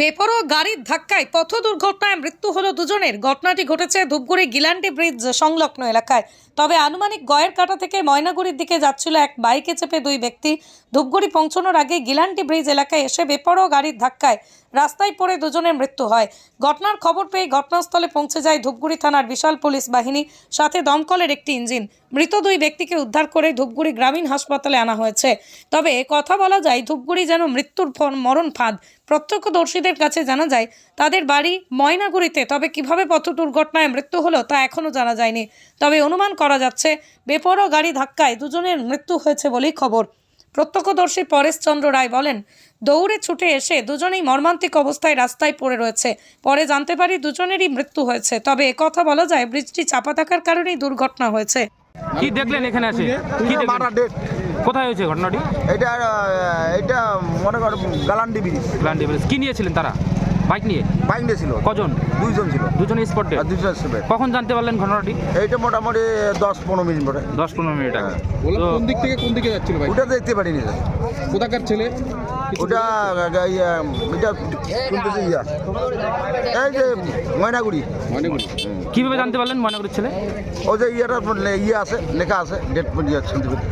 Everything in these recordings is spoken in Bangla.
বেপরোয়া গাড়ির ধাক্কায় পথ দুর্ঘটনায় মৃত্যু হলো দুজনের। ঘটনাটি ঘটেছে ধূপগুড়ি গিলান্টি ব্রিজ সংলগ্ন এলাকায়। তবে আনুমানিক গয়ের কাটা থেকে ময়নাগুড়ির দিকে যাচ্ছিল এক বাইকে চেপে দুই ব্যক্তি। ধূপগুড়ি পৌঁছানোর আগে গিলান্টি ব্রিজ এলাকায় এসে বেপরোয়া গাড়ির ধাক্কায় রাস্তায় পড়ে দুজনের মৃত্যু হয়। ঘটনার খবর পেয়ে ঘটনাস্থলে পৌঁছে যায় ধূপগুড়ি থানার বিশাল পুলিশ বাহিনী, সাথে দমকলের একটি ইঞ্জিন। মৃত দুই ব্যক্তিকে উদ্ধার করে ধূপগুড়ি গ্রামীণ হাসপাতালে আনা হয়েছে। তবে কথা বলা যায় ধূপগুড়ি যেন মৃত্যুর মরণ ফাঁদ। প্রত্যক্ষদর্শীদের কাছে জানা যায় তাদের বাড়ি ময়নাগুড়িতে। তবে কিভাবে পথ দুর্ঘটনায় মৃত্যু হলো তা এখনও জানা যায়নি। তবে অনুমান করা যাচ্ছে বেপরোয়া গাড়ি ধাক্কায় দুজনের মৃত্যু হয়েছে বলেই খবর। প্রত্যক্ষদর্শী পরেশ চন্দ্র রায় বলেন, দৌড়ে ছুটে এসে দুজনেই মর্মান্তিক অবস্থায় রাস্তায় পড়ে রয়েছে। পরে জানতে পারি দুজনেরই মৃত্যু হয়েছে। তবে কথা বলা যায় ব্রিজটি চাপা থাকার কারণেই দুর্ঘটনা হয়েছে। কি দেখলেন এখানে আসে? কি দেখলেন? কোথায় হয়েছে ঘটনাটি? এটা মনে কর গালান্ডি ব্রিজ। কি নিয়েছিলেন তারা? বাইক নিয়েছিল। কজন? দুইজন ছিল। দুজন স্পট ডেড। দুইজন ছিল। কখন জানতে পারলেন ঘটনাটি? এইটা মোটামুটি 10-15 মিনিট পরে। 10-15 মিনিট আগে। কোন দিক থেকে কোন দিকে যাচ্ছিল ভাই? ওটা দেখতে পারিনি। কোথাকার ছেলে? ওটা এটা শুনতেছি এই যে ময়নাগুড়ি। কিভাবে জানতে পারলেন ময়নাগুড়ির ছেলে? ও যে আছে, লেখা আছে ডেট শুনতে পারি।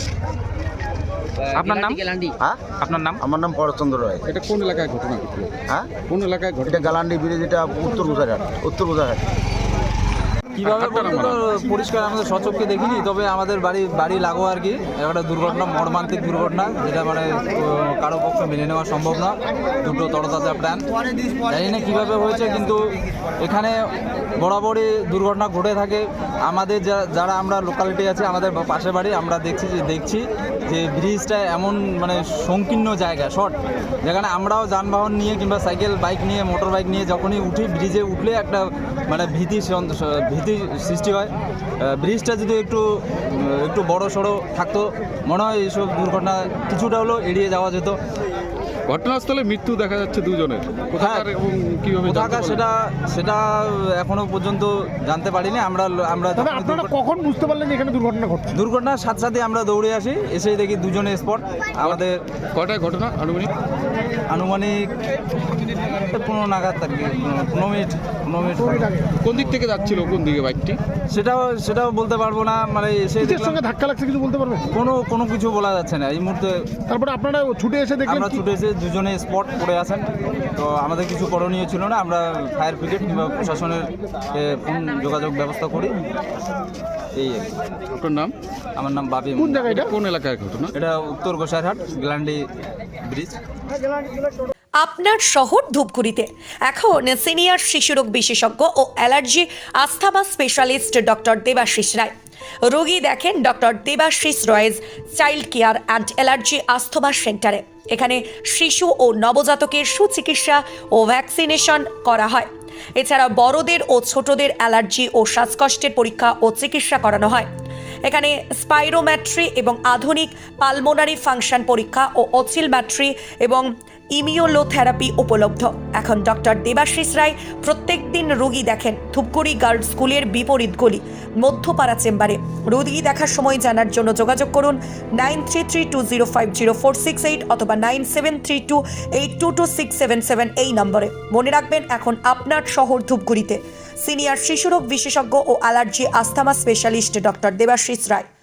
আপনার নাম? হ্যাঁ, আপনার নাম? আমার নাম পরেশ চন্দ্র রায়। এটা কোন এলাকায় ঘটনা ঘটলো? হ্যাঁ, কোন এলাকায় ঘটনা? এটা গালান্ডি ব্রিজ, এটা উত্তর গুজরাট। কীভাবে বলতে তো পরিষ্কার আমাদের সচক্ষে দেখিনি, তবে আমাদের বাড়ি লাগো আর কি একটা দুর্ঘটনা, মর্মান্তিক দুর্ঘটনা, যেটা মানে কারো পক্ষে মেনে নেওয়া সম্ভব না। দুটো তরতাজা প্রাণ, জানি না কীভাবে হয়েছে, কিন্তু এখানে বরাবরই দুর্ঘটনা ঘটে থাকে। আমাদের যারা আমরা লোকালিটি আছে, আমাদের পাশে বাড়ি, আমরা দেখছি যে ব্রিজটা এমন মানে সংকীর্ণ জায়গা, শর্ট, যেখানে আমরাও যানবাহন নিয়ে কিংবা সাইকেল, বাইক নিয়ে, মোটর বাইক নিয়ে যখনই উঠি, ব্রিজে উঠলে একটা মানে ভীতি সৃষ্টি হয়। ব্রিজটা যদি একটু বড় সড়ো থাকতো, মনে হয় এইসব দুর্ঘটনা কিছুটা হলেও এড়িয়ে যাওয়া যেত। ঘটনাস্থলে মৃত্যু দেখা যাচ্ছে দুজনের। কোথাকার এবং কিভাবে সেটা এখনো পর্যন্ত জানতে পারিনি। আমরা আপনারা কখন বুঝতে পারলেন এখানে দুর্ঘটনা ঘটছে? দুর্ঘটনার সাথে সাথে আমরা দৌড়ে আসি, এসেই দেখি দুজনে স্পট। আমাদের কটায় ঘটনা আনুমানিক 15 নাগাদ আর কি, 15 মিনিট। কোন দিক থেকে যাচ্ছিল, কোন দিকে বাইকটি? সেটাও বলতে পারবো না, মানে কিসের সঙ্গে ধাক্কা লাগছে কিছু বলতে পারবেন? কোনো কিছু বলা যাচ্ছে না এই মুহূর্তে। তারপরে আপনারা ছুটে এসে দেখলেন? আমরা ছুটে এসে দুজনে স্পট পড়ে আছেন, তো আমাদের কিছু করণীয় ছিল না। আমরা ফায়ার ব্রিগেড কিংবা প্রশাসনের ফোন যোগাযোগ ব্যবস্থা করি। এই আপনার নাম? আমার নাম বাবি। কোন জায়গায় এটা, কোন এলাকায় ঘটনা? এটা উত্তর গোসাইরহাট, গিলান্ডি ব্রিজ। আপনার শহর ধূপগুড়িতে এখন সিনিয়র শিশুরোগ বিশেষজ্ঞ ও allergy asthma specialist doctor Debashis Roy. রোগী দেখেন doctor Debashis Roy's child care and allergy asthma সেন্টারে। এখানে শিশু ও নবজাতকের সুচিকিৎসা ও ভ্যাকসিনেশন করা হয়। এছাড়া বড়দের ও ছোটদের অ্যালার্জি ও শ্বাসকষ্টের পরীক্ষা ও চিকিৎসা করানো হয়। এখানে স্পাইরোম্যাট্রি এবং আধুনিক পালমোনারি ফাংশন পরীক্ষা ও অসিলম্যাট্রি এবং ইমিউনোথেরাপি উপলব্ধ। এখন ডক্টর দেবাশিস রায় প্রত্যেক দিন রোগী দেখেন ধূপগুড়ি গার্লস স্কুলের বিপরীত গলি মধ্যপাড়া চেম্বারে। রোগী দেখার সময় জানার জন্য যোগাযোগ করুন 9332050468 অথবা 9732822677 এই নম্বরে। মনে রাখবেন, এখন আপনার শহর ধূপগুড়িতে সিনিয়র শিশুরোগ বিশেষজ্ঞ ও allergy asthma specialist doctor Debashis রায়।